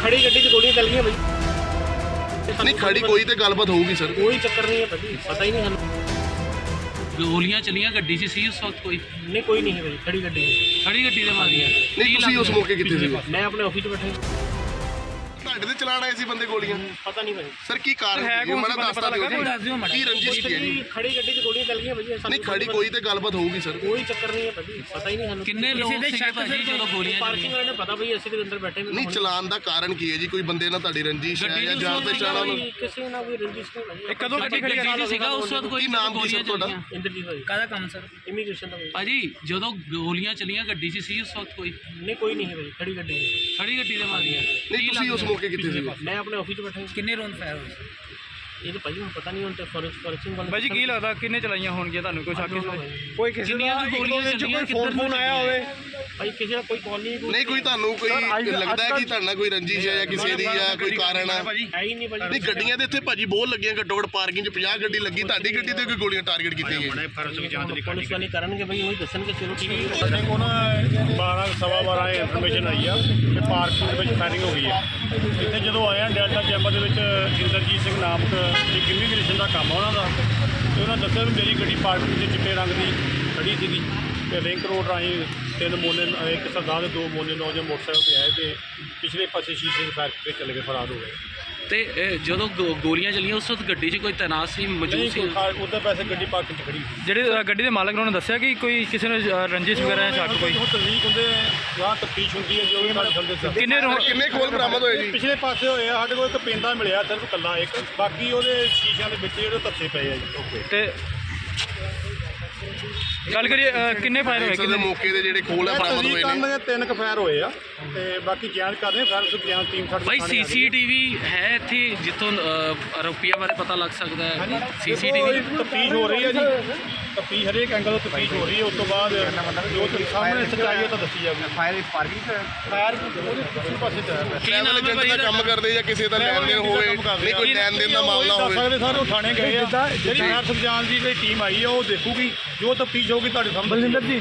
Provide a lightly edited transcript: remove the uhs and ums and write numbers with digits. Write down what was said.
खड़ी गड्डी च गोलियां चल गई भाई। नहीं खड़ी कोई तो गलबात होगी सर। कोई चक्कर नहीं है भाजी, पता ही नहीं सानू। गोलियां चलियां गड्डी 'ਚ ਸੀ उस वक्त कोई नहीं कोई नहीं है भाई, खड़ी गड्डी है। खड़ी गड्डी ਦੇ ਮਾਰੀਆਂ नहीं तुसी उस मौके कितने सी? मैं अपने ऑफिस में बैठा ਤੁਹਾਡੇ ਤੇ ਚਲਾਣ ਆਏ ਸੀ ਬੰਦੇ ਗੋਲੀਆਂ? पता नहीं भाई। ਸਰ ਕੀ ਕਾਰਨ ਹੈ? ਮੈਨੂੰ ਦੱਸਦਾ ਦਿਓ ਜੀ ਕੀ ਰੰਜਿਸ਼ ਕੀ ਹੈ ਜੀ? खड़ी गड्डी च गोलियां चल गई भाजी। नहीं खड़ी कोई तो गलबात होगी सर। कोई चक्कर नहीं है भाजी, पता ही नहीं सानू। ਕਿੰਨੇ ਲੋਕ ਸੀਗੇ ਭਾਜੀ ਜਦੋਂ ਗੋਲੀਆਂ पार्किंग वाले ने पता भाई ਅਸੀਂ ਦੇ ਅੰਦਰ ਬੈਠੇ ਨਹੀਂ ਚਲਾਣ ਦਾ ਕਾਰਨ ਕੀ ਹੈ ਜੀ? ਕੋਈ ਬੰਦੇ ਨਾਲ ਤੁਹਾਡੀ ਰੰਜਿਸ਼ ਹੈ ਜਾਂ ਜਾਣ ਪਛਾਣ ਨਾਲ? ਕਿਸੇ ਨਾਲ ਕੋਈ ਰੰਜਿਸ਼ ਨਹੀਂ ਭਾਜੀ। ਕਦੋਂ ਗੱਡੀ ਖੜੀ ਸੀਗਾ ਉਸ ਵਕਤ ਕੋਈ ਕੀ ਨਾਮ ਕੀ ਸਰ ਤੁਹਾਡਾ? ਇੰਦਰਜੀਤ ਭਾਜੀ। ਕਾਹਦਾ ਕੰਮ ਸਰ ਇਮੀਗ੍ਰੇਸ਼ਨ ਦਾ ਭਾਜੀ। ਭਾਜੀ ਜਦੋਂ ਗੋਲੀਆਂ ਚਲੀਆਂ ਗੱਡੀ 'ਚ ਸੀ ਉਸ ਵਕਤ ਕੋਈ नहीं कोई नहीं है भाई, खड़ी गड्डी है। ਖੜੀ ਗੱਡੀ ਦੇ ਮਾਰੀਆਂ ਨਹੀਂ ਤੁਸੀਂ ਉਸ ਮੌਕੇ ਕਿੱਥੇ ਸੀ? मैं अपने ऑफिस में बैठा ਕਿੰਨੇ ਰੌਂਡ ਫਾਇਰ ਹੋਏ ये तो भाजी मैं पता नहीं उनते फॉरेंसिक वाले। ਭਾਜੀ ਕੀ ਲੱਗਦਾ ਕਿੰਨੇ ਚਲਾਈਆਂ ਹੋਣਗੀਆਂ ਤੁਹਾਨੂੰ ਕੋਈ ਸ਼ੱਕ कोई किसी ਕਿੰਨੀਆਂ ਕੁ ਗੋਲੀਆਂ ਚੱਲੀਆਂ ਫੋਨ ਆਇਆ ਹੋਵੇ भाई किसी का कोई कॉल नहीं ਨਹੀਂ ਕੋਈ ਤੁਹਾਨੂੰ ਕੋਈ ਲੱਗਦਾ ਹੈ ਕਿ ਤੁਹਾਡੇ ਨਾਲ ਕੋਈ ਰੰਜਿਸ਼ ਹੈ ਜਾਂ ਕਿਸੇ ਦੀ ਜਾਂ ਕੋਈ ਕਾਰਨ ਹੈ? है ही नहीं भाजी। ਨਹੀਂ ਗੱਡੀਆਂ ਦੇ ਇੱਥੇ ਭਾਜੀ ਬਹੁਤ ਲੱਗੀਆਂ, ਘੱਟੋ ਘੱਟ ਪਾਰਕਿੰਗ 'ਚ 50 ਗੱਡੀ ਲੱਗੀ, ਤੁਹਾਡੀ ਗੱਡੀ ਤੇ ਕੋਈ ਗੋਲੀਆਂ ਟਾਰਗੇਟ ਕੀਤੀਆਂ ਗਈਆਂ? पुलिस वाले करेंगे भाई, वही दसणगे चलो ठीक है। ਸਾਡੇ ਕੋਲ ਨਾ 12:15 ਇਨਫੋਰਮੇਸ਼ਨ ਆਈ ਆ ਕਿ ਪਾਰਕਿੰਗ ਦੇ ਵਿੱਚ ਫਾਇਰਿੰਗ ਹੋ ਗਈ ਹੈ। ਇੱਥੇ ਜਦੋਂ ਆਏ ਆ ਡੈਲਟਾ ਚੈਂਬਰ ਦੇ ਵਿੱਚ ਇੰਦਰਜੀਤ ਸਿੰਘ ਨਾਮਕ ਇੱਕ ਇਮੀਗ੍ਰੇਸ਼ਨ ਦਾ ਕੰਮ ਆ ਉਹਨਾਂ ਦਾ, ਤੇ ਉਹਨਾਂ ਦੱਸਿਆ ਵੀ ਮੇਰੀ ਗੱਡੀ ਪਾਰਕਿੰਗ 'ਚ ਚਿੱਟੇ ਰੰਗ ਦੀ ਖੜੀ ਸੀਗੀ ਤੇ ਲਿੰਕ ਰੋਡ ਰਾਹੀਂ 3 ਮੋਨੇ, ਇੱਕ ਸਰਦਾਰ ਦੇ 2 ਮੋਨੇ ਨੌਜਵਾਨ ਮੋਟਰਸਾਈਕਲ ਤੇ ਆਏ ਤੇ ਪਿਛਲੇ ਪਾਸੇ ਸ਼ੀਸ਼ੇ ਦੇ ਫਾਇਰ ਕਰਕੇ ਚਲੇ ਗਏ, ਫਰਾਰ ਹੋ ਗਏ। ਤੇ ਜਦੋਂ ਗੋਲੀਆਂ ਚਲੀਆਂ ਉਸ ਵਕਤ ਗੱਡੀ 'ਚ ਕੋਈ ਤੈਨਾਤ ਸੀ ਮੌਜੂਦ ਸੀ? ਉਹਦੇ ਪੈਸੇ ਗੱਡੀ ਪਾਰਕਿੰਗ 'ਚ ਖੜੀ ਸੀ। ਜਿਹੜੇ ਗੱਡੀ ਦੇ ਮਾਲਕ ਨੇ ਉਹਨਾਂ ਦੱਸਿਆ ਕਿ ਕੋਈ ਕਿਸੇ ਨੇ ਰੰਜਿਸ਼ ਵਗੈਰਾ ਜਾਂ ਸ਼ੱਕ ਕੋਈ ਉਹ ਤਸਦੀਕ ਹੁੰਦੇ ਜਾਂ ਤਫਤੀਸ਼ ਹੁੰਦੀ ਹੈ ਜੋ ਵੀ ਸਾਡੇ ਥੱਲੇ ਕਿੰਨੇ ਕਿੰਨੇ ਖੋਲ ਬਰਾਮਦ ਹੋਏ ਜੀ? ਪਿਛਲੇ ਪਾਸੇ ਹੋਏ ਆ, ਸਾਡੇ ਕੋਲ ਇੱਕ ਪਿੰਡਾ ਮਿਲਿਆ ਸਿਰਫ ਇਕੱਲਾ ਇੱਕ, ਬਾਕੀ ਉਹਦੇ ਸ਼ੀਸ਼ਿਆਂ ਦੇ ਵਿੱਚ ਜਿਹੜੇ ਧੱਸੇ ਪਏ ਆ ਜੀ। ਤੇ ਗੱਲ ਕਰੀਏ ਕਿੰਨੇ ਫਾਇਰ ਹੋਏ ਸਰ ਦੇ ਮੌਕੇ ਦੇ ਜਿਹੜੇ ਖੋਲ ਹੈ ਬਰਾਮਦ ਹੋਏ ਨੇ? ਦੇ 3 ਕੁ ਫਾਇਰ ਹੋਏ ਆ ਤੇ ਬਾਕੀ ਜਾਂਚ ਕਰ ਰਹੇ ਫਾਇਰ ਸੁ ਜਾਂਚ ਟੀਮ ਸਾਡੇ ਭਾਈ ਸੀਸੀਟੀਵੀ ਹੈ ਇੱਥੇ ਜਿੱਥੋਂ ਆਰੋਪੀਆਂ ਬਾਰੇ ਪਤਾ ਲੱਗ ਸਕਦਾ ਹੈ? ਸੀਸੀਟੀਵੀ ਤਫਤੀਸ਼ ਹੋ ਰਹੀ ਹੈ ਜੀ, ਤਫਤੀਸ਼ ਹਰੇਕ ਐਂਗਲ ਤੋਂ ਤਫਤੀਸ਼ ਹੋ ਰਹੀ ਹੈ। ਉਸ ਤੋਂ ਬਾਅਦ ਜੋ ਸਾਹਮਣੇ ਸੱਚਾਈ ਹੈ ਤਾਂ ਦੱਸੀ ਜਾਊਗੀ। ਫਾਇਰ ਉਹਦੇ ਦੂਸਰੇ ਪਾਸੇ ਤੇ ਹੈ। ਟਰੈਵਲ ਏਜੰਟ ਦਾ ਕੰਮ ਕਰਦੇ ਜਾਂ ਕਿਸੇ ਦਾ ਲੈਣ ਦੇਣ ਹੋਵੇ, ਨਹੀਂ ਕੋਈ ਲੈਣ ਦੇਣ ਦਾ ਮਾਮਲਾ ਦੱਸ ਹੋਵੇ? ਸਕਦੇ ਸਰ, ਉਹ ਥਾਣੇ ਗਏ ਆ, ਜਿਹੜੀ ਫਾਇਰ ਸੁ ਜਾਂਚ ਦੀ ਜਿਹੜੀ ਟੀਮ ਆਈ ਹੈ ਉਹ ਦੇਖੂਗੀ, ਜੋ ਤਫਤੀਸ਼ ਹੋਊਗੀ ਤੁਹਾਡੇ ਸਾਹਮਣੇ।